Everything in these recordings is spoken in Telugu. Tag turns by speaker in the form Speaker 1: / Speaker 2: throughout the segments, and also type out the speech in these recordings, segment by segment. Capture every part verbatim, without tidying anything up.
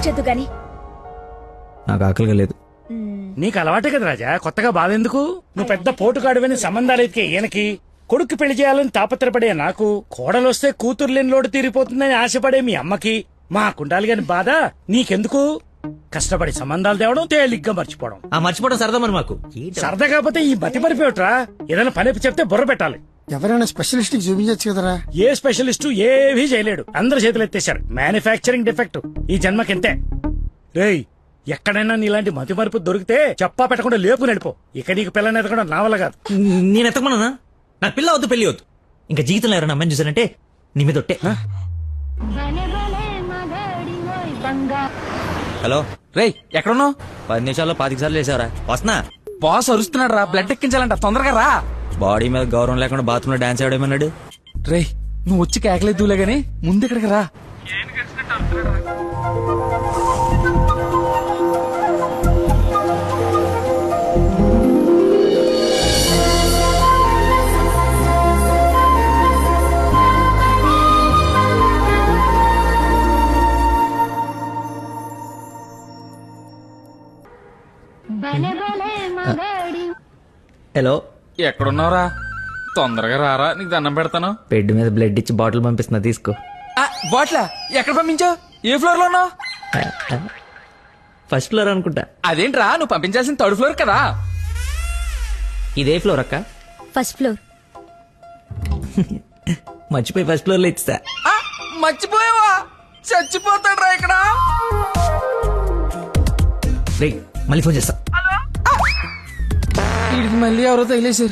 Speaker 1: వచ్చేద్దు గాని.
Speaker 2: నాకు ఆకలిగా లేదు.
Speaker 3: నీకు అలవాటే కదా రాజా, కొత్తగా బాధెందుకు? నువ్వు పెద్ద పోటుగాడువని సంబంధాలు ఎతికే ఈయనకి, కొడుకు పెళ్లి చేయాలని తాపత్రపడే నాకు, కోడలొస్తే కూతురు లేని లోటు తీరిపోతుందని ఆశపడే మీ అమ్మకి, మా కుండాలి గాని బాధ నీకెందుకు? కష్టపడి సంబంధాలు తేవడం, తేలిగ్గా మర్చిపోవడం.
Speaker 2: ఆ మర్చిపోవడం సరదా మరి మాకు.
Speaker 3: సరదా కాకపోతే ఈ బతి మరిపోయట్రా. ఏదైనా పని చెప్తే బుర్ర పెట్టాలి.
Speaker 4: ఎవరైనా స్పెషలిస్ట్ కి చూపించచ్చు కదరా.
Speaker 3: ఏ స్పెషలిస్టు ఏవీ చేయలేడు, అందరు చేతులు ఎత్తేశారు. మ్యానుఫ్యాక్చరింగ్ డిఫెక్ట్ ఈ జన్మకింతే. రేయ్, ఎక్కడైనా నీలాంటి మతి మరుపు దొరికితే చెప్పా పెట్టకుండా లేపు నడిపో. ఇక నీకు పిల్లని ఎదగడం నా వల్ల కాదు.
Speaker 2: నేను ఎత్తకమన్నా? నాకు పిల్ల వద్దు, పెళ్లి వద్దు. ఇంకా జీవితంలో ఎవరైనా అమ్మాయిని చూసానంటే నీ మీద ఒట్టే. హలో
Speaker 5: రేయ్, ఎక్కడున్నావు?
Speaker 2: పది నిమిషాల్లో పాతిక సార్లు వేసావరా? వస్తున్నా.
Speaker 5: బాస్ అరుస్తున్నాడు రా, బ్లడ్ ఎక్కించాలంట, తొందరగా రా.
Speaker 2: బాడీ మీద గౌరవం లేకుండా బాత్రూమ్ లో డాన్స్ ఆడేమన్నాడు.
Speaker 5: రేయ్, నువ్వు వచ్చి కేకలేదులే గానీ ముందు ఇక్కడికి రా.
Speaker 2: హలో,
Speaker 5: ఎక్కడున్నావురా? తొందరగా రారా, నీకు దండం పెడతాను.
Speaker 2: బెడ్ మీద బ్లడ్ ఇచ్చి బాటిల్ పంపిస్తున్నా, తీసుకో.
Speaker 5: బాట్లా ఎక్కడ పంపించావు? ఏ ఫ్లోర్ లో ఉన్నావు?
Speaker 2: ఫస్ట్ ఫ్లోర్ అనుకుంటా.
Speaker 5: అదేంట్రా, నువ్వు పంపించాల్సిన థర్డ్ ఫ్లోర్ కదా.
Speaker 2: ఇదే ఫ్లోర్ అక్క.
Speaker 1: First floor.
Speaker 2: మర్చిపోయి ఫస్ట్ ఫ్లోర్ లో ఇచ్చా.
Speaker 5: ఆ, మర్చిపోయావా? చచ్చిపోతాడు రా ఇక్కడ.
Speaker 2: రే, మళ్ళీ ఫోన్ చేస్తా.
Speaker 5: వీడికి మళ్ళీ ఎవరో తగిలేశారు.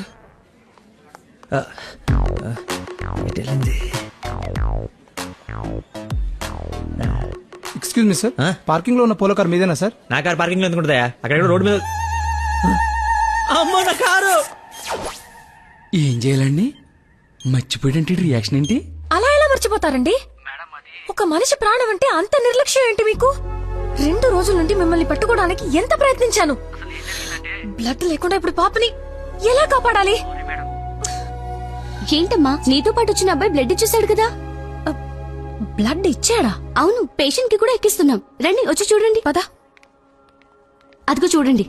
Speaker 4: ఎక్స్క్యూజ్ మీ సార్, పార్కింగ్ లో ఉన్న పోలో కార్ మీదేనా సార్?
Speaker 2: నా కారు పార్కింగ్ లో ఎందుకుంటుందా? అక్కడ రోడ్డు మీద. అమ్మో, నా కారు.
Speaker 5: ఏం చేయాలండి? మర్చిపోయాడంటే రియాక్షన్ ఏంటి?
Speaker 1: అలా ఎలా మర్చిపోతారండి? ఒక మనిషి ప్రాణం అంటే అంత నిర్లక్ష్యం ఏంటి మీకు? రెండు రోజుల నుండి మిమ్మల్ని పట్టుకోవడానికి ఎంత ప్రయత్నించాను. బ్లడ్ లేకుండా ఇప్పుడు పాపని ఎలా కాపాడాలి?
Speaker 6: ఏంటమ్మా, నీతో పాటు వచ్చిన అబ్బాయి బ్లడ్ ఇచ్చేసాడు కదా.
Speaker 1: బ్లడ్ ఇచ్చాడా?
Speaker 6: అవును, పేషెంట్ కి కూడా ఎక్కిస్తున్నాం. రండి, వచ్చి చూడండి.
Speaker 1: పద.
Speaker 6: అదిగో చూడండి.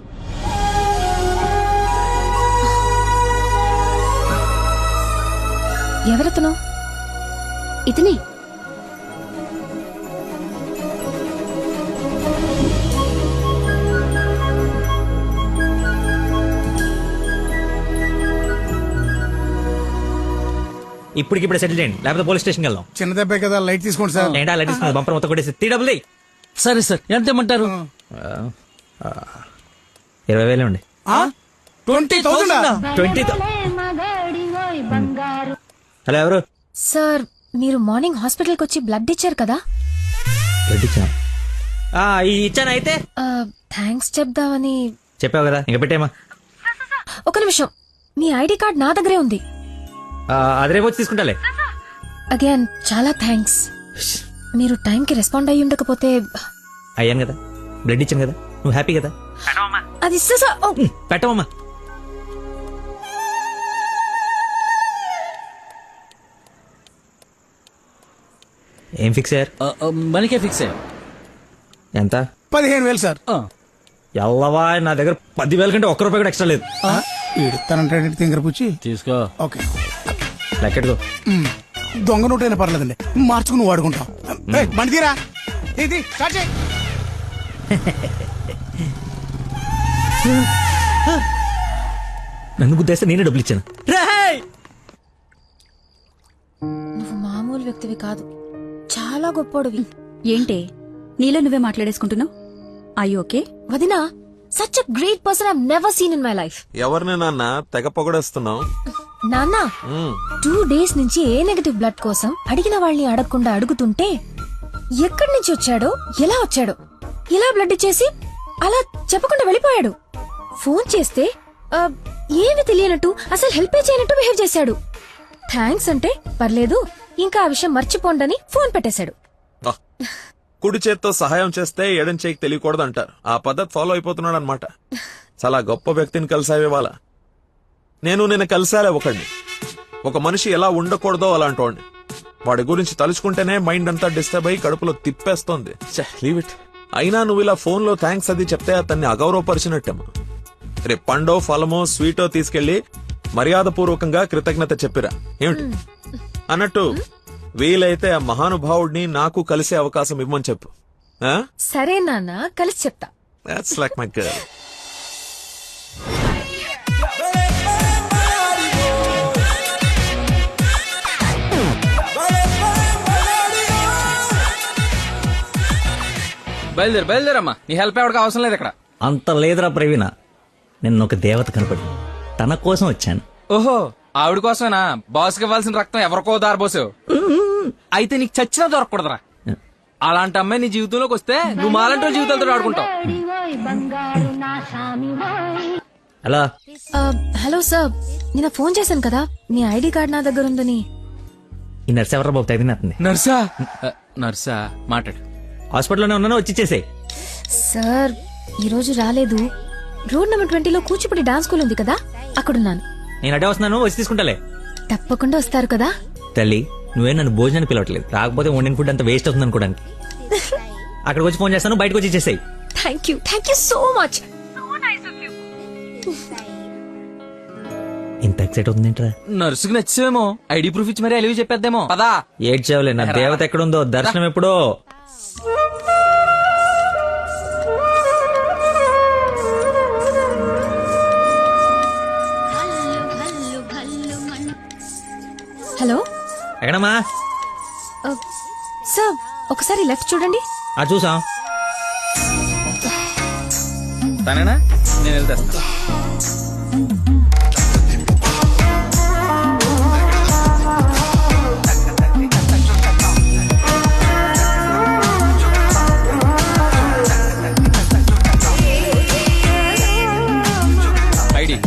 Speaker 1: ఎవరతను?
Speaker 6: ఇతనే.
Speaker 2: ఇప్పటికిప్పుడు సెటిల్ చేయండి, లేకపోతే పోలీస్ స్టేషన్కి వెళ్దాం.
Speaker 4: చిన్న దెబ్బే కదా, లైట్ తీసుకోండి సార్.
Speaker 2: ఏంటా లైట్ తీసుకుని బంపర్ మొత్తం కొట్టేసి త్రీ డబుల్ ఎయిట్.
Speaker 5: సరే సార్, ఎంత ఇమ్మంటారు?
Speaker 2: ఇరవై వేలే ఉండి.
Speaker 4: Twenty thousand
Speaker 2: twenty. హలో, ఎవరు?
Speaker 1: సార్, మీరు మార్నింగ్ హాస్పిటల్కి వచ్చి బ్లడ్ ఇచ్చారు కదా?
Speaker 2: బ్లడ్ ఇచ్చాను. ఇచ్చాను. అయితే
Speaker 1: థ్యాంక్స్ చెప్దామని.
Speaker 2: చెప్పావు కదా, ఇంకా పెట్టేమా.
Speaker 1: ఒక నిమిషం, మీ ఐడి కార్డ్ నా దగ్గరే ఉంది.
Speaker 2: అది రేపు వచ్చి తీసుకుంటాలే.
Speaker 1: అగైన్ చాలా థ్యాంక్స్. మీరు టైంకి రెస్పాండ్ అయ్యి ఉండకపోతే.
Speaker 2: అయ్యాను కదా, బ్లడ్ ఇచ్చాను కదా, నువ్వు హ్యాపీ కదా.
Speaker 1: అది
Speaker 2: పెట్టవమ్మా. ఏం ఫిక్స్ అయ్యారు?
Speaker 5: మనకే ఫిక్స్ అయ్యారు.
Speaker 2: ఎంత?
Speaker 4: పదిహేను వేలు సార్.
Speaker 2: ఎల్లవా, నా దగ్గర పదివేల కంటే ఒక్క రూపాయి కూడా ఎక్స్ట్రా లేదు.
Speaker 4: తనంటే తింగర పుచ్చి
Speaker 5: తీసుకో.
Speaker 4: ఓకే,
Speaker 2: లెక్కెట్టుకో.
Speaker 4: దొంగ నోట్ అయినా పర్లేదండి, మార్చుకుని వాడుకుంటాం. బండి తీరా, ఇది స్టార్ట్ చేయి.
Speaker 2: నన్ను గుద్దేస్తే నేనే డబ్బులు ఇచ్చాను.
Speaker 1: నువ్వు మామూలు వ్యక్తివి కాదు, చాలా గొప్పోడివి.
Speaker 6: ఏంటే నీలో నువ్వే మాట్లాడేసుకుంటున్నావు? I okay?
Speaker 1: వదినా, such a great person I never seen in my life.
Speaker 7: ఎవరిని నాన్న తెగ పొగడేస్తున్నావు?
Speaker 1: నాన్న, టూ డేస్ నుంచి ఏ నెగటివ్ బ్లడ్ కోసం అడిగిన వాళ్ళని అడగకుండా అడుగుతుంటే ఎక్కడి నుంచి వచ్చాడో, ఎలా వచ్చాడో, ఇలా బ్లడ్ ఇచ్చేసి అలా చెప్పకుండా వెళ్ళిపోయాడు. ఫోన్ చేస్తే ఏమి తెలియనట్టు, అసలు హెల్ప్ చేయనట్టు బిహేవ్ చేశాడు. థ్యాంక్స్ అంటే పర్లేదు, ఇంకా ఆ విషయం మర్చిపోండని ఫోన్ పెట్టేశాడు.
Speaker 7: కుడి చేత్తో సహాయం చేస్తే ఎడం చేయికి తెలియకూడదు అంటారు. ఆ పద్ధతి ఫాలో అయిపోతున్నాడు అనమాట. చాలా గొప్ప వ్యక్తిని కలిసావే వాళ్ళ. నేను నిన్న కలిసాలే ఒకడిని. ఒక మనిషి ఎలా ఉండకూడదో అలాంటి వాడిని. వాడి గురించి తలుచుకుంటేనే మైండ్ అంతా డిస్టర్బ్ అయ్యి కడుపులో తిప్పేస్తోంది. Leave it. అయినా నువ్వు ఇలా ఫోన్ లో థ్యాంక్స్ అది చెప్తే అతన్ని అగౌరవపరిచినట్టేమో. రేపు పండో ఫలమో స్వీటో తీసుకెళ్లి మర్యాదపూర్వకంగా కృతజ్ఞత చెప్పిరా ఏమిటి? అన్నట్టు వీలైతే ఆ మహానుభావుడిని నాకు కలిసే అవకాశం ఇవ్వమని చెప్పు.
Speaker 1: సరే నాన్న, కలిసి చెప్తా.
Speaker 7: That's like my girl.
Speaker 5: బయలుదేరు బయలుదేరమ్మా, నీ హెల్ప్ ఎవరికి అవసరం లేదు ఇక్కడ.
Speaker 2: అంత లేదురా ప్రవీణ, నిన్న ఒక దేవత కనపడి తన కోసం వచ్చాను.
Speaker 5: ఓహో, ఆవిడ కోసమేనా బాస్కి ఇవ్వాల్సిన రక్తం ఎవరికో దారబోసావు? అయితే నీకు చచ్చినా దొరకకూడదురా. అలాంటి అమ్మాయి నీ జీవితంలోకి వస్తే నువ్వు మాలంటి వాళ్ళ జీవితాలతో ఆడుకుంటావు.
Speaker 2: అలా
Speaker 1: ఆ, హలో సార్, నిన్న ఫోన్ చేశాను కదా, మీ ఐడి కార్డ్ నా దగ్గర ఉందని.
Speaker 2: ఈ నర్స్ ఎవరా బాబు తగినట్టుంది?
Speaker 5: నర్సా? ఆ, నర్సా మాట్లాడు.
Speaker 2: హాస్పిటల్లోనే ఉన్నాను, వచ్చి ఇచ్చేసేయ్.
Speaker 1: సార్ ఈ రోజు రాలేదు. రోడ్ నెంబర్ ట్వంటీలో కూచిపూడి డాన్స్ స్కూల్ ఉంది కదా, అక్కడున్నాను.
Speaker 2: నేను అడే వస్తున్నాను, వచ్చి తీసుకుంటాలే.
Speaker 1: తప్పకుండా వస్తారు కదా.
Speaker 2: తల్లి, నువ్వే నన్ను భోజనానికి పిలవట్లేదు, రాకపోతే వండిన ఫుడ్ అంత వేస్ట్ అవుతుంది అనుకోడానికి. అక్కడికి వచ్చి ఫోన్ చేస్తాను, బయటకు వచ్చి ఇచ్చేసేయ్.
Speaker 1: Thank you thank you so much.
Speaker 2: ఇంత ఎక్సైట్ అవుతుంది ఏంట్రా?
Speaker 5: నర్సుకి నచ్చేమో, ఐడి ప్రూఫ్ ఇచ్చి మరీ అలివి చెప్పేద్దేమో. పదా
Speaker 2: ఏడ్చావులే, నా దేవత ఎక్కడుందో, దర్శనం ఎప్పుడో.
Speaker 1: హలో
Speaker 2: ఎక్కడమ్మా?
Speaker 1: సార్, ఒకసారి లెఫ్ట్ చూడండి.
Speaker 2: ఆ చూసాం.
Speaker 5: తనేనా? నేను వెళ్తా. ఐడి,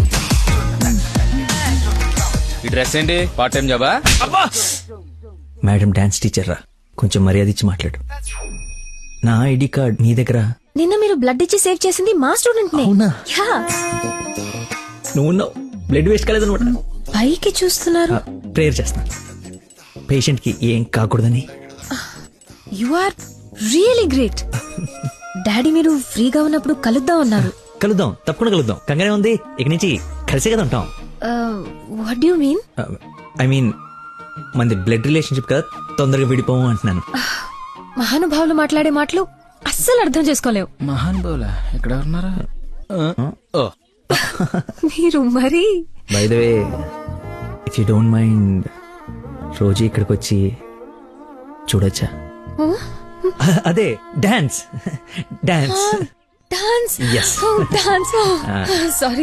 Speaker 5: ఈ డ్రెస్ ఏంటి? పార్ట్ టైం జాబా?
Speaker 2: మేడం డాన్స్ టీచర్ రా, కొంచెం మర్యాద ఇచ్చి మాట్లాడు. నా ఐడి కార్డ్ మీ దగ్గర.
Speaker 1: నిన్న మీరు బ్లడ్ ఇచ్చి సేవ్ చేసింది మా స్టూడెంట్ నే.
Speaker 2: అవునా?
Speaker 1: యా.
Speaker 2: నువ్వు బ్లడ్ వేస్ట్ కాలేదనమాట.
Speaker 1: పైకి చూస్తున్నారు.
Speaker 2: ప్రేయర్ చేస్తా, పేషెంట్ కి ఏం కాకూడదని.
Speaker 1: You are really great. Daddy మీరు ఫ్రీగా ఉన్నప్పుడు కలుద్దాం అన్నారు.
Speaker 2: కలుద్దాం, తప్పకుండా కలుద్దాం. కంగానే ఉంది, ఇక నుంచి కలిసే కదా ఉంటాం.
Speaker 1: What you mean?
Speaker 2: I mean మనది బ్లడ్ రిలేషన్షిప్ కదా, తొందరగా విడిపోము అంటున్నాను.
Speaker 1: మహానుభావులు మాట్లాడే మాటలు అస్సలు అర్థం చేసుకోలేవు.
Speaker 5: మహాన్ బౌలా ఎక్కడ ఉన్నారా? ఓ,
Speaker 1: మీరు మరి.
Speaker 2: By the way, if you don't mind, రోజు ఇక్కడికి వచ్చి చూడొచ్చా? అదే dance dance
Speaker 1: dance.
Speaker 2: Yes.
Speaker 1: Dance. Sorry,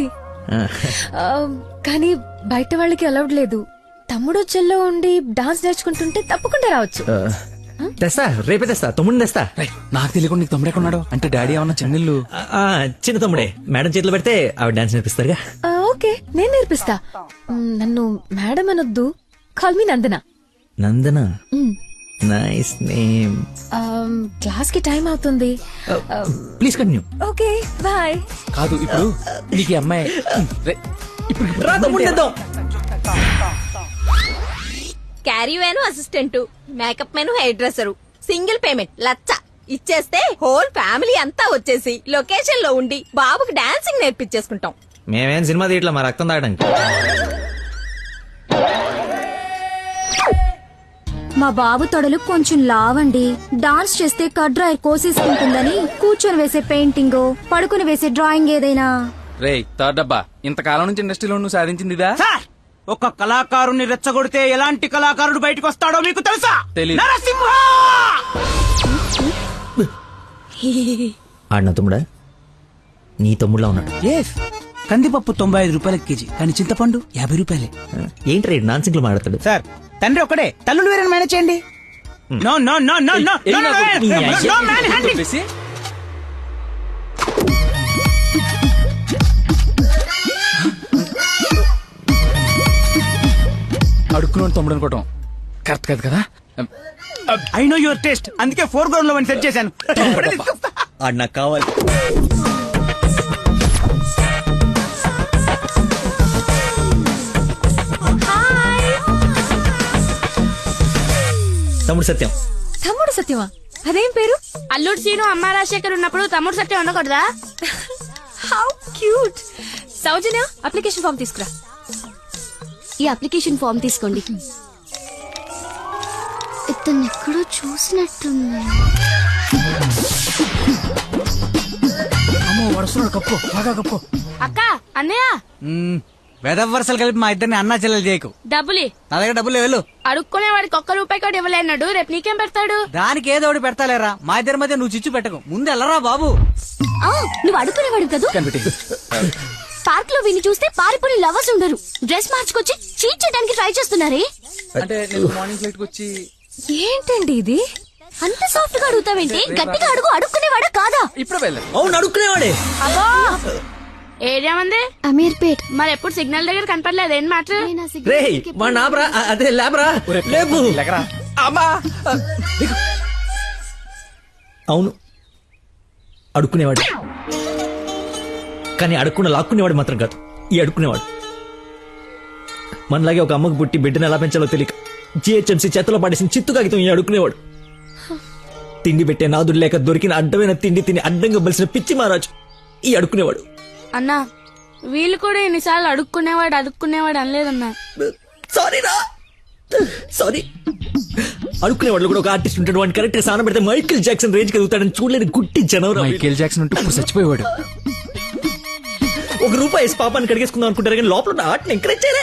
Speaker 1: కానీ బయట వాళ్ళకి అలౌడ్ లేదు. తమ్ముడు చెల్లో ఉండి డాన్స్ నేర్చుకుంటుంటే తప్పకుండా రావచ్చు.
Speaker 2: తెస్తా, రేపే తెస్తా, తమ్ముడిని తెస్తా.
Speaker 5: రేయ్, నాకు తెలియకుండా నీకు తమ్ముడు ఎక్కడున్నాడు? అంటే డాడీ ఏమన్నా చెన్నెళ్ళు?
Speaker 2: ఆ, చిన్న తమ్ముడే, మేడం చేతిలో పెడితే ఆవిడ డాన్స్ నేర్పిస్తారుగా.
Speaker 1: ఆ, ఓకే, నేను నేర్పిస్తా. మ్, నన్ను మేడం అనొద్దు, call me Nandana.
Speaker 2: Nandana, nice name.
Speaker 1: Class కి టైం అవుతుంది.
Speaker 2: Please continue.
Speaker 1: Okay, bye.
Speaker 5: కాదు, ఇప్పుడు నీకు ఈ అమ్మాయి రేయ్, ఇప్పుడు
Speaker 2: రా తమ్ముడిని తెద్దాం.
Speaker 8: Carry van assistant, makeup man hair dresser, single payment లచ్చ ఇచ్చేస్తే హోల్ ఫ్యామిలీ అంతా వచ్చేసి లొకేషన్ లో ఉండి బాబుకి డాన్సింగ్ నేర్పించేసుకుంటాం.
Speaker 2: మేమేం సినిమా తీయట్లా, మా రక్తం తాగడానికి.
Speaker 6: మా బాబు తొడలు కొంచెం లావండి. డాన్స్ చేస్తే కడ్రాయర్ కోసేసుకుంటుందని కూర్చొని వేసే పెయింటింగ్, పడుకుని వేసే డ్రాయింగ్ ఏదైనా.
Speaker 5: రేయ్ థర్డ్ డబ్బా, ఇంతకాలం నుంచి ఇండస్ట్రీలో నువ్వు సాధించింది ఇదా?
Speaker 4: సార్, ఒక కళాకారుని రెచ్చగొడితే ఎలాంటి కళాకారుడు బయటకు వస్తాడో మీకు తెలుసా?
Speaker 5: తెలీదు.
Speaker 4: నరసింహ!
Speaker 2: ఆడిన తమ్ముడా? నీ తమ్ముడులా ఉన్నాడు.
Speaker 4: ఎస్, కందిపప్పు తొంభై ఐదు రూపాయల కేజీ, కానీ చింతపండు యాభై రూపాయలే.
Speaker 2: ఏంటి రేడు నాన్ సింగ్లు మాట్లాడతాడు?
Speaker 4: సార్, తండ్రి ఒకడే, తల్లులు వేరే మేనేజ్ చేయండి. No no no no no
Speaker 5: ఏయ్,
Speaker 4: నో
Speaker 5: నాకు నీ
Speaker 4: నో
Speaker 5: అయ్య-
Speaker 4: నో మ్యాన్ హ్యాండింగ్.
Speaker 5: చెప్పేసి, అడుక్కున్నాడు తమ్ముడు అనుకోవటం కరెక్ట్ కాదు కదా.
Speaker 4: ఐ నో యువర్ టేస్ట్, అందుకే ఫోర్ గ్రౌండ్ లో సెట్ చేశాను. ఇప్పుడే తీసుకొస్తా.
Speaker 2: ఆడు నాకు కావాలి. తమ్ముడు సత్యం.
Speaker 1: తమ్ముడు సత్యమా? అదేం పేరు?
Speaker 9: అల్లుడు సీను అమ్మ రాజశేఖర్ ఉన్నప్పుడు తమ్ముడు సత్యం ఉండకూడదా?
Speaker 1: How cute. Soujanya application form తీసుకురా.
Speaker 6: ఈ అప్లికేషన్ ఫామ్ తీసుకోండి. ఇతను ఎక్కడో చూసినట్టుంది.
Speaker 4: అమ్మో వడుస్తున్నాడు, కప్పు బాగా కప్పు.
Speaker 9: అక్క అన్నయ్య
Speaker 10: వెదవ వరుసలు కలిపి మా ఇద్దరిని అన్నా చెల్లెలు చేయకు.
Speaker 9: డబ్బులి
Speaker 10: నా దగ్గర డబ్బులు వెళ్ళు.
Speaker 9: అడుక్కునే వాడికి ఒక్క రూపాయి కూడా ఇవ్వలేన్నాడు. రేపు నీకేం పెడతాడు?
Speaker 10: దానికి ఏదో ఒకటి పెడతాలేరా. మా ఇద్దరి మధ్య నువ్వు చిచ్చు పెట్టకు. ముందు వెళ్ళరా బాబు.
Speaker 6: ఆ, నువ్వు అడుగునేవాడు కదా. పార్క్ లో విని చూస్తే పారిపోయి లవర్స్ ఉండరు. డ్రెస్ మార్చుకొచ్చి చీట్ చేయడానికి ట్రై చేస్తున్నారే.
Speaker 5: అంటే నేను మార్నింగ్ ఫ్లైట్ వచ్చి
Speaker 1: ఏంటండి ఇది?
Speaker 6: అంత సాఫ్ట్ గా అడుగుతావేంటి? గట్టిగా అడుగు. అడుక్కునేవాడా కాదా?
Speaker 5: ఇప్పుడు వెళ్ళాను.
Speaker 2: అవును అడుక్కునేవాడే.
Speaker 9: అబ్బో ఏరియా మంది
Speaker 6: అమీర్పేట్.
Speaker 9: మరి ఎప్పుడు సిగ్నల్ దగ్గర కనపడలేదు. ఏం మాట?
Speaker 2: రే మా నాబ్రా అదే లేబరా లేపు.
Speaker 5: అమ్మా
Speaker 2: అవును అడుక్కునేవాడు, కానీ అడుక్కున్న లాక్కునేవాడు మాత్రం కాదు ఈ అడుక్కునేవాడు. మనలాగే ఒక అమ్మకు పుట్టి బిడ్డను ఎలా పెంచాలో తెలియక జిహెచ్ఎంసీ చేతిలో పడేసిన చిత్తు కాగితం ఈ అడుక్కునేవాడు. తిండి పెట్టే నాదుడు లేక దొరికిన అడ్డమైన తిండి తిని అడ్డంగా బలిసిన పిచ్చి మహారాజు ఈ అడుక్కునేవాడు.
Speaker 9: అన్నా వీళ్ళు కూడా ఎన్నిసార్లు అడుక్కునేవాడు అడుక్కునేవాడు అనలేదన్నా.
Speaker 2: సారీ రా సారీ. అడుక్కునేవాడు కూడా ఒక ఆర్టిస్ట్ ఉంటాడు. వాడిని కరెక్ట్ గా సాన పెడితే మైకేల్ జాక్సన్ రేంజ్ కలుగుతాడని చూడలేని గుట్టి జనవరం.
Speaker 5: మైకేల్ జాక్సన్ ఉంటూ ఇప్పుడు చచ్చిపోయేవాడు.
Speaker 2: ఒక రూపాయి వేసి పాపాన్ని కడిగేసుకుందాం అనుకుంటారు కానీ లోపల ఉన్న ఆర్ట్ని ఎంకరేజ్ చేయలే.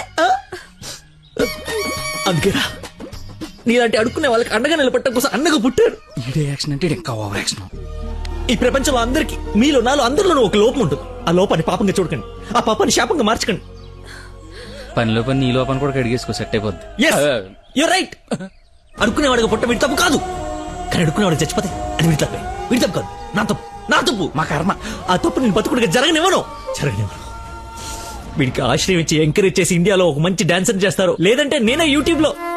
Speaker 2: అందుకేరా నీలాంటి అడుక్కునే వాళ్ళకి అండగా నిలబట్టడం కోసం అండగా పుట్టారు.
Speaker 5: ఈడే యాక్షన్ అంటే ఇంకా ఓవర్ యాక్షన్.
Speaker 2: ఈ ప్రపంచంలో అందరికి మీలో నాలో అందరిలోనూ ఒక లోపం ఉంటుంది. ఆ లోపాన్ని పాపంగా చూడకండి, ఆ పాపాన్ని శాపంగా మార్చకండి.
Speaker 5: పనిలో పని నీ లోపల కూడా కడిగేసుకో, సెట్ అయిపోద్ది.
Speaker 2: You right. అడుక్కునేవాడిగా పుట్ట వీడి తప్పు కాదు, కానీ అడుక్కునేవాడికి చచ్చిపోతే అది వీడి తప్పే. వీడి తప్పు కాదు, నా తప్పు, నా తప్పు, మా కర్మ. ఆ తప్పు నేను బతుకుడిగా జరగనివ్వను జరగనివ్వను. వీడికి ఆశ్రయం ఇచ్చి ఎంకరేజ్ చేసి ఇండియాలో ఒక మంచి డాన్సర్ చేస్తారు, లేదంటే నేనే యూట్యూబ్ లో